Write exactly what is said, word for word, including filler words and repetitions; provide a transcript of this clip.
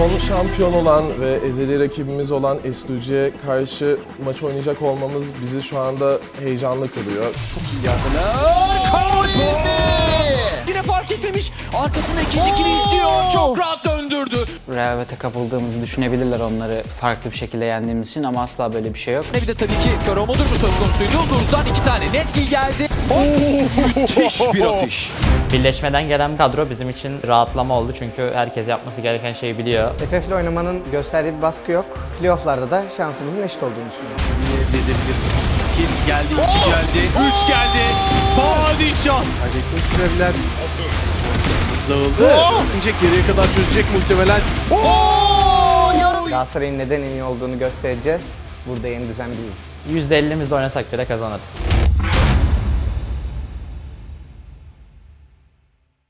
Son şampiyon olan ve ezeli rakibimiz olan S D G'ye karşı maç oynayacak olmamız bizi şu anda heyecanlı kılıyor. Çok iyi yardılar. Kaori! Yine fark etmemiş. Arkasında ikinci kili izliyor. Çok rahat döndürdü. Rehavete kapıldığımızı düşünebilirler onları farklı bir şekilde yendiğimiz için ama asla böyle bir şey yok. Ne bir de tabii ki Karo Modur mu söz konusuydu? Luz'dan iki tane net kill geldi. Oh, müthiş bir atış. Birleşmeden gelen kadro bizim için rahatlama oldu çünkü herkes yapması gereken şeyi biliyor. F F'le oynamanın gösterdiği bir baskı yok. Playoff'larda da şansımızın eşit olduğunu düşünüyorum. Elde edebilir. Kill geldi, iki geldi, üç geldi. Padişah. Kaybetmek sürebilir. Dağıldı. İnce geriye kadar çözecek muhtemelen. Galatasaray'ın neden en iyi olduğunu göstereceğiz. Burada yeni düzen biziz. yüzde ellimiz oynasak bile kazanırız.